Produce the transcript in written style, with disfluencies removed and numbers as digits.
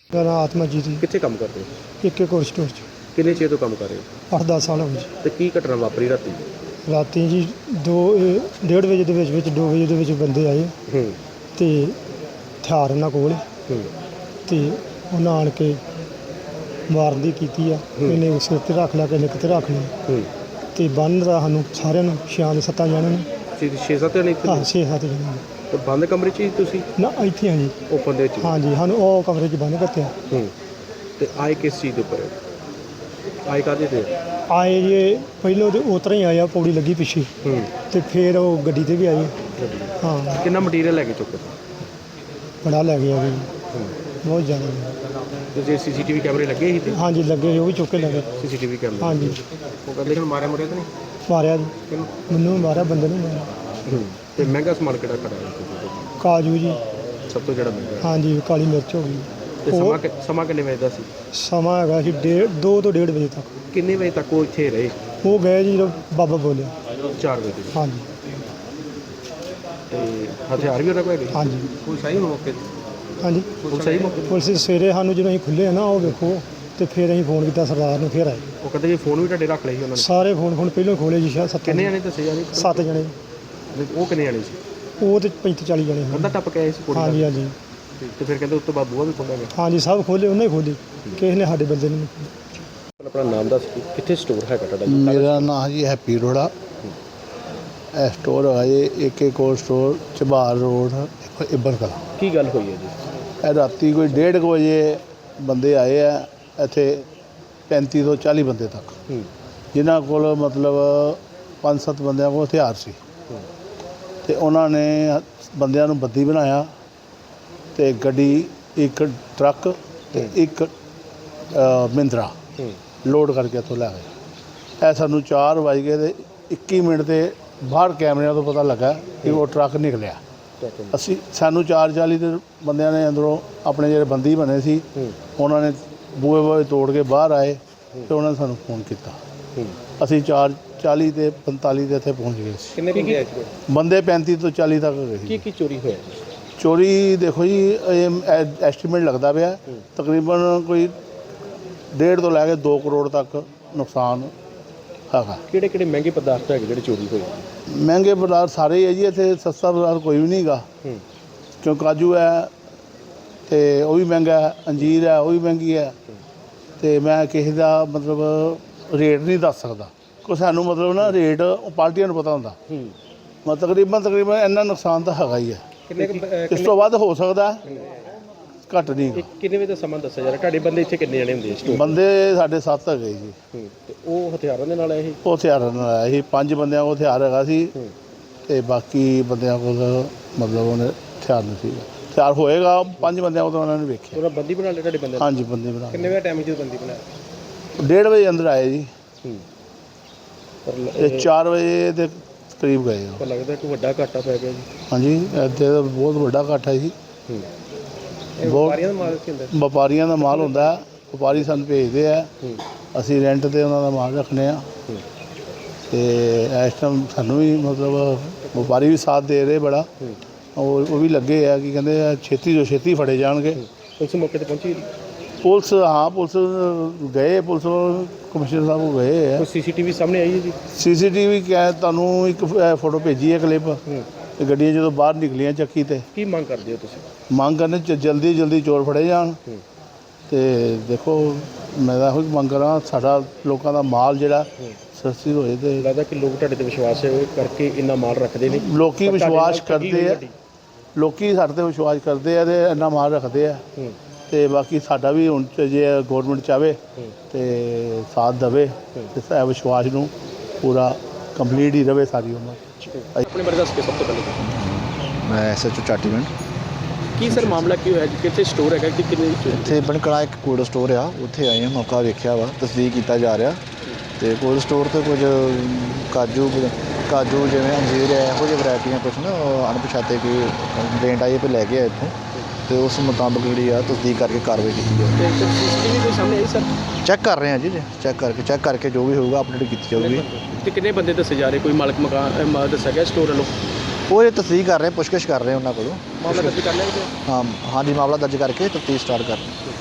ਮੇਰਾ ਨਾਮ ਆਤਮਾਜੀਤ ਜੀ। ਕਿੱਥੇ ਕੰਮ ਕਰਦੇ ਹੋ? ਇੱਕ ਕੋਲ ਸਟੋਰ 'ਚ ਕਿੰਨੇ ਚਿਰ ਤੋਂ ਕੰਮ ਕਰ ਰਹੇ ਹੋ 8-10 ਸਾਲ ਹੋ ਗਏ ਜੀ। ਤੇ ਕੀ ਘਟਨਾ ਵਾਪਰੀ ਰਾਤੀ? ਰਾਤੀ ਜੀ 2:30 ਵਜੇ ਦੇ ਵਿੱਚ 2 ਵਜੇ ਦੇ ਵਿੱਚ ਬੰਦੇ ਆਏ ਹੂੰ ਤੇ ਹਥਿਆਰ ਉਹਨਾਂ ਕੋਲ ਹੂੰ ਤੇ ਉਹਨਾਂ ਆਣ ਕੇ ਮਾਰਨ ਦੀ ਕੀਤੀ ਆ। ਇਹਨੇ ਸਿਰ 'ਤੇ ਰੱਖ ਲਿਆ, ਕਿਸੇ ਕਿਤੇ ਰੱਖ ਲਿਆ ਹੂੰ ਤੇ ਬੰਨ ਦਾ ਸਾਨੂੰ ਸਾਰਿਆਂ ਨੂੰ 6-7 ਜਣਿਆਂ ਨੂੰ। 6-7 ਜਣੇ ਇੱਥੇ? ਹਾਂ 6-7 ਜਣਿਆਂ ਨੂੰ। ਤੇ ਬੰਦ ਕਮਰੇ 'ਚ ਹੀ ਤੁਸੀਂ? ਨਾ ਇੱਥੇ ਹਾਂ ਜੀ। ਓਪਨ ਦੇ ਵਿੱਚ? ਹਾਂਜੀ, ਸਾਨੂੰ ਉਹ ਕਮਰੇ 'ਚ ਬੰਨ ਕੱਤਿਆ। ਹੂੰ ਤੇ ਆਏ ਕਿਸ ਚੀਜ਼ ਦੇ ਉੱਪਰ? ਆਏ ਕਾਹਦੇ ਤੇ? ਆਏ ਜੇ ਪਹਿਲੋਂ ਤੇ ਉਤਰਾ ਹੀ ਆਇਆ, ਪੌੜੀ ਲੱਗੀ ਪਿੱਛੇ ਹੂੰ ਤੇ ਫਿਰ ਉਹ ਗੱਡੀ ਤੇ ਵੀ ਆਏ। ਹਾਂ, ਕਿੰਨਾ ਮਟੀਰੀਅਲ ਲੈ ਕੇ ਚੁੱਕੇ? ਬੜਾ ਲੈ ਗਿਆ ਜੀ, ਹੂੰ ਬਹੁਤ ਜ਼ਿਆਦਾ। ਤੇ ਜੇ ਸੀਸੀਟੀਵੀ ਕੈਮਰੇ ਲੱਗੇ ਸੀ ਤੇ? ਹਾਂਜੀ ਲੱਗੇ, ਉਹ ਵੀ ਚੁੱਕ ਕੇ ਲੈ ਗਏ। ਸੀਸੀਟੀਵੀ ਕੈਮਰੇ? ਹਾਂਜੀ ਉਹ ਕਹਿੰਦੇ ਹੁਣ ਮਾਰਿਆ ਮੁਰਿਆ ਤਾਂ ਨਹੀਂ? ਮਾਰਿਆ ਜੀ, ਕਿਹਨੂੰ? ਮੈਨੂੰ ਵੀ ਮਾਰਿਆ, ਬੰਦੇ ਨੂੰ ਮਾਰਿਆ। ਹੂੰ ਤੇ ਮਹਿੰਗਾ ਸਮਾਨ ਕਿਹੜਾ ਖੜਾ ਹੈ? ਕਾਜੂ ਜੀ। ਸਭ ਤੋਂ ਜਿਹੜਾ ਮਹਿੰਗਾ? ਹਾਂਜੀ, ਕਾਲੀ ਮਿਰਚ ਹੋ ਗਈ। ਤੇ ਸਮਾਂ ਕਿੰਨੇ ਵਜੇ ਦਾ ਸੀ? ਸਮਾਂ ਹੈਗਾ ਸੀ 2 ਤੋਂ 1:30 ਵਜੇ ਤੱਕ। ਕਿੰਨੇ ਵਜੇ ਤੱਕ ਉਹ ਇੱਥੇ ਰਹੇ? ਉਹ ਗਏ ਜੀ ਜਦੋਂ ਬਾਬਾ ਬੋਲਿਆ। 4 ਵਜੇ ਤੱਕ? ਹਾਂਜੀ ਤੇ ਹਥਿਆਰ ਵੀ ਉਹਨਾਂ ਕੋਲ ਹੈਗੇ? ਹਾਂਜੀ ਕੋਈ ਸਹੀ ਮੌਕੇ ਤੇ? ਹਾਂਜੀ। ਕੋਈ ਸਹੀ ਮੌਕੇ ਤੇ? ਪੁਲਿਸ ਸਵੇਰੇ ਸਾਨੂੰ ਜਦੋਂ ਅਸੀਂ ਖੁੱਲੇ ਨਾ, ਉਹ ਵੇਖੋ, ਤੇ ਫਿਰ ਅਸੀਂ ਫੋਨ ਕੀਤਾ ਸਰਦਾਰ ਨੂੰ, ਫਿਰ ਆਏ ਉਹ ਕਹਿੰਦੇ ਜੀ ਫੋਨ ਵੀ ਤੁਹਾਡੇ ਰੱਖ ਲਏ ਸੀ ਉਹਨਾਂ ਨੇ? ਸਾਰੇ ਫੋਨ ਪਹਿਲਾਂ ਖੋਲੇ ਜੀ, ਸ਼ਾਇਦ 7 ਕਿੰਨੇ ਜਣੇ ਦੱਸੇ ਜਾ ਰਹੇ? 7 ਜਣੇ। ਉਹ ਕਿੰਨੇ ਜਣੇ ਸੀ? ਉਹ ਤੇ 35-40 ਜਣੇ ਸੀ। ਕੰਧਾ ਟੱਪ ਕੇ ਆਏ ਸੀ ਕੁੜੀ ਹਾਂਜੀ ਨਾਲ? ਹਾਂਜੀ ਤੇ ਫਿਰ ਕਹਿੰਦੇ ਉਸ ਤੋਂ ਬਾਅਦ ਬੂਹਾ ਵੀ ਖੋਲ੍ਹਿਆ ਗਿਆ? ਹਾਂਜੀ, ਸਭ ਖੋਲੇ, ਉਹਨੇ ਹੀ ਖੋਲੇ, ਕਿਸੇ ਨੇ ਸਾਡੇ ਬੰਦੇ ਨੂੰ। ਆਪਣਾ ਨਾਮ ਦੱਸ, ਕਿੱਥੇ ਸਟੋਰ ਹੈਗਾ ਤੁਹਾਡਾ? ਮੇਰਾ ਨਾਮ ਜੀ ਹੈਪੀ ਅਰੋੜਾ। ਇਹ ਸਟੋਰ ਹੈ ਜੀ AK ਕੋਲ ਸਟੋਰ, ਝਬਾਰ ਰੋਡ, ਇੱਬਰ ਕਲਾਂ। ਕੀ ਗੱਲ ਹੋਈ ਹੈ ਜੀ? ਇਹ ਰਾਤੀ ਕੋਈ 1:30 ਵਜੇ ਬੰਦੇ ਆਏ ਆ ਇੱਥੇ, 35 ਤੋਂ 40 ਬੰਦੇ ਤੱਕ, ਹੂੰ ਜਿਨ੍ਹਾਂ ਕੋਲ ਮਤਲਬ 5-7 ਬੰਦਿਆਂ ਕੋਲ ਹਥਿਆਰ ਸੀ। ਤੇ ਉਹਨਾਂ ਨੇ ਬੰਦਿਆਂ ਨੂੰ ਬੱਦੀ ਬਣਾਇਆ ਤੇ ਗੱਡੀ, ਇੱਕ ਟਰੱਕ ਤੇ ਇੱਕ ਮਹਿੰਦਰਾ ਲੋਡ ਕਰਕੇ ਇੱਥੋਂ ਲੈ ਗਏ। ਇਹ ਸਾਨੂੰ 4 ਵੱਜ ਗਏ ਤੇ 21 ਮਿੰਟ ਤੇ ਬਾਹਰ ਕੈਮਰਿਆਂ ਤੋਂ ਪਤਾ ਲੱਗਾ ਕਿ ਉਹ ਟਰੱਕ ਨਿਕਲਿਆ। ਸਾਨੂੰ 4:40 ਦੇ ਬੰਦਿਆਂ ਨੇ ਅੰਦਰੋਂ ਆਪਣੇ ਜਿਹੜੇ ਬੰਦੀ ਬਣੇ ਸੀ, ਉਹਨਾਂ ਨੇ ਬੂਹੇ ਤੋੜ ਕੇ ਬਾਹਰ ਆਏ ਤੇ ਉਹਨਾਂ ਨੇ ਸਾਨੂੰ ਫੋਨ ਕੀਤਾ। ਅਸੀਂ 4:40 ਤੇ 45 ਦੇ ਇੱਥੇ ਪਹੁੰਚ ਗਏ ਸੀ। ਕਿੰਨੇ ਬੰਦੇ ਆਏ ਸੀ? ਬੰਦੇ 35 ਤੋਂ 40 ਤੱਕ ਗਏ ਸੀ। ਕੀ ਚੋਰੀ ਹੋਇਆ? ਚੋਰੀ ਦੇਖੋ ਜੀ, ਇਹ ਐਸਟੀਮੇਟ ਲੱਗਦਾ ਪਿਆ ਤਕਰੀਬਨ ਕੋਈ 1.5 ਤੋਂ ਲੈ ਕੇ 2 ਕਰੋੜ ਤੱਕ ਨੁਕਸਾਨ ਹੈਗਾ। ਕਿਹੜੇ ਮਹਿੰਗੇ ਪਦਾਰਥ ਹੈਗੇ ਜਿਹੜੇ ਚੋਰੀ ਹੋਏ? ਮਹਿੰਗੇ ਪਦਾਰਥ ਸਾਰੇ ਹੀ ਹੈ ਜੀ, ਇੱਥੇ ਸਸਤਾ ਪਦਾਰਥ ਕੋਈ ਵੀ ਨਹੀਂ ਹੈਗਾ। ਕਿਉਂ ਕਾਜੂ ਹੈ ਤੇ ਉਹ ਵੀ ਮਹਿੰਗਾ ਹੈ, ਅੰਜੀਰ ਹੈ ਉਹ ਵੀ ਮਹਿੰਗੀ ਹੈ। ਤੇ ਮੈਂ ਕਿਸੇ ਦਾ ਮਤਲਬ ਰੇਟ ਨਹੀਂ ਦੱਸ ਸਕਦਾ, ਕੋਈ ਸਾਨੂੰ ਮਤਲਬ ਨਾ ਰੇਟ ਪਾਰਟੀਆਂ ਨੂੰ ਪਤਾ ਹੁੰਦਾ। ਤਕਰੀਬਨ ਇੰਨਾ ਨੁਕਸਾਨ ਤਾਂ ਹੈਗਾ ਹੀ ਹੈ। ਇਸ ਤੋਂ ਵੱਧ ਹੋ ਸਕਦਾ, ਘੱਟ ਨਹੀਂ। ਕਿੰਨੇ ਵਜੇ ਦਾ ਸਮਾਂ ਦੱਸਿਆ ਜਾ ਰਿਹਾ? ਤੁਹਾਡੇ ਬੰਦੇ ਇੱਥੇ ਕਿੰਨੇ ਜਣੇ ਹੁੰਦੇ ਸਟੋਰ? ਬੰਦੇ ਸਾਡੇ 7 ਹੈਗੇ ਜੀ। ਤੇ ਉਹ ਹਥਿਆਰਾਂ ਦੇ ਨਾਲ ਆਏ ਸੀ? ਉਹ ਹਥਿਆਰਾਂ ਨਾਲ ਆਇਆ ਸੀ। 5 ਬੰਦਿਆਂ ਕੋਲ ਹਥਿਆਰ ਹੈਗਾ ਸੀ ਤੇ ਬਾਕੀ ਬੰਦਿਆਂ ਕੋਲ ਮਤਲਬ ਉਹਨੇ ਹਥਿਆਰ ਨਹੀਂ ਸੀ। ਹਥਿਆਰ ਹੋਏਗਾ 5 ਬੰਦਿਆਂ ਕੋਲ, ਤਾਂ ਉਹਨਾਂ ਨੇ ਵੇਖਿਆ। ਉਹਨਾਂ ਬੰਦੀ ਬਣਾ ਲਿਆ ਤੁਹਾਡੇ ਬੰਦੇ? ਹਾਂਜੀ, ਬੰਦੀ ਬਣਾ। ਕਿੰਨੇ ਵਜੇ ਟਾਈਮ ਜਦੋਂ ਬੰਦੀ ਬਣਾਇਆ? 1:30 ਵਜੇ ਅੰਦਰ ਆਏ ਜੀ ਪਰ ਤੇ 4 ਵਜੇ ਦੇ ਕਰੀਬ ਗਏ। ਪਰ ਲੱਗਦਾ ਕਿ ਵੱਡਾ ਘਾਟਾ ਪੈ ਗਿਆ ਜੀ। ਹਾਂਜੀ, ਇੱਥੇ ਤਾਂ ਬਹੁਤ ਵੱਡਾ ਇਕੱਠ ਹੈ ਜੀ। ਵਪਾਰੀਆਂ ਦਾ ਮਾਲ ਕੀ ਹੁੰਦਾ? ਵਪਾਰੀਆਂ ਦਾ ਮਾਲ ਹੁੰਦਾ, ਵਪਾਰੀ ਸਾਨੂੰ ਭੇਜਦੇ ਆ, ਅਸੀਂ ਰੈਂਟ 'ਤੇ ਉਹਨਾਂ ਦਾ ਮਾਲ ਰੱਖਦੇ ਆ। ਤੇ ਇਸ ਟਾਈਮ ਸਾਨੂੰ ਵੀ ਮਤਲਬ ਵਪਾਰੀ ਵੀ ਸਾਥ ਦੇ ਰਹੇ ਬੜਾ। ਉਹ ਵੀ ਲੱਗੇ ਆ ਕਿ ਕਹਿੰਦੇ ਛੇਤੀ ਤੋਂ ਛੇਤੀ ਫੜੇ ਜਾਣਗੇ। ਉਸ ਮੌਕੇ ਤੇ ਪਹੁੰਚੀ? ਪੁਲਿਸ, ਹਾਂ ਪੁਲਿਸ ਗਏ, ਪੁਲਿਸ ਕਮਿਸ਼ਨਰ ਸਾਹਿਬ ਕੋਲ ਗਏ ਆ। ਕੋਈ ਸੀਸੀਟੀਵੀ ਸਾਹਮਣੇ ਆਈ ਹੈ ਜੀ? ਸੀਸੀਟੀਵੀ ਤੁਹਾਨੂੰ ਇੱਕ ਫੋਟੋ ਭੇਜੀ ਹੈ, ਕਲਿੱਪ। ਤੇ ਗੱਡੀਆਂ ਜਦੋਂ ਬਾਹਰ ਨਿਕਲੀਆਂ ਚੱਕੀ ਤੇ। ਕੀ ਮੰਗ ਕਰਦੇ ਹੋ ਤੁਸੀਂ? ਮੰਗ ਕਰਨੇ ਜਲਦੀ ਚੋਰ ਫੜੇ ਜਾਣ। ਤੇ ਦੇਖੋ, ਮੈਂ ਤਾਂ ਇਹੋ ਮੰਗ ਕਰਾਂ, ਸਾਡਾ ਲੋਕਾਂ ਦਾ ਮਾਲ ਜਿਹੜਾ ਸਸਤੀ ਹੋਏ। ਤੇ ਲੱਗਦਾ ਕਿ ਲੋਕ ਤੁਹਾਡੇ ਤੇ ਵਿਸ਼ਵਾਸ ਕਰਕੇ ਇੰਨਾ ਮਾਲ ਰੱਖਦੇ ਨੇ। ਲੋਕੀ ਵਿਸ਼ਵਾਸ ਕਰਦੇ ਆ, ਲੋਕੀ ਸਾਡੇ ਤੇ ਵਿਸ਼ਵਾਸ ਕਰਦੇ ਆ ਤੇ ਇੰਨਾ ਮਾਲ ਰੱਖਦੇ ਆ। ਤੇ ਬਾਕੀ ਸਾਡਾ ਵੀ ਹੁਣ ਜੇ ਗੌਰਮੈਂਟ ਚਾਹਵੇ ਤੇ ਸਾਥ ਦੇਵੇ ਤੇ ਇਹ ਵਿਸ਼ਵਾਸ ਨੂੰ ਪੂਰਾ ਕੰਪਲੀਟ ਹੀ ਰਵੇ ਸਾਰੀ ਉਮਰ। ਆਪਣੇ ਬਾਰੇ ਦੱਸ ਕੇ ਸਭ ਤੋਂ ਪਹਿਲੇ। ਮੈਂ SHO ਚਾਟੀਵਿੰਡ। ਕੀ ਸਰ ਮਾਮਲਾ ਕੀ ਹੋਇਆ? ਕਿੱਥੇ ਸਟੋਰ ਹੈਗਾ ਕਿ ਕਿੰਨੇ? ਇੱਥੇ ਬਣਕੜਾ ਇੱਕ ਕੋਲਡ ਸਟੋਰ ਆ, ਉੱਥੇ ਆਏ ਹਾਂ, ਮੌਕਾ ਵੇਖਿਆ ਵਾ, ਤਸਦੀਕ ਕੀਤਾ ਜਾ ਰਿਹਾ। ਤੇ ਕੋਲਡ ਸਟੋਰ 'ਤੇ ਕੁਝ ਕਾਜੂ ਜਿਵੇਂ ਅੰਜੀਰ ਹੈ, ਇਹੋ ਜਿਹੀ ਵੈਰਾਈਟੀਆਂ ਕੁਛ ਨਾ ਅਣਪਛਾਤੇ ਕੋਈ ਕੰਪਲੇਂਟ ਆਈ ਪੇ ਲੈ ਕੇ ਆਏ ਇੱਥੋਂ। ਤੇ ਉਸ ਮੁਤਾਬਕ ਜਿਹੜੀ ਆ ਤਸਦੀਕ ਕਰਕੇ ਕਾਰਵਾਈ ਕੀਤੀ ਜਾਵੇ। ਸੀਸੀਟੀਵੀ ਕੋਈ ਸਾਹਮਣੇ ਆਈ ਸਰ? ਚੈੱਕ ਕਰ ਰਹੇ ਹਾਂ ਜੀ, ਚੈੱਕ ਕਰਕੇ ਜੋ ਵੀ ਹੋਊਗਾ ਅਪਡੇਟ ਕੀਤੀ ਜਾਊਗੀ। ਤੇ ਕਿੰਨੇ ਬੰਦੇ ਦੱਸੇ ਜਾ ਰਹੇ? ਕੋਈ ਮਾਲਕ ਮਕਾਨ ਦੱਸਿਆ ਗਿਆ ਸਟੋਰ ਵੱਲੋਂ? ਉਹ ਇਹ ਤਸਦੀਕ ਕਰ ਰਹੇ, ਪੁੱਛਗਿੱਛ ਕਰ ਰਹੇ ਉਹਨਾਂ ਕੋਲੋਂ। ਮਾਮਲਾ ਦਰਜ ਕਰ ਲਿਆ? ਹਾਂਜੀ, ਮਾਮਲਾ ਦਰਜ ਕਰਕੇ ਤਫਤੀਸ਼ ਸਟਾਰਟ ਕਰ ਰਹੇ।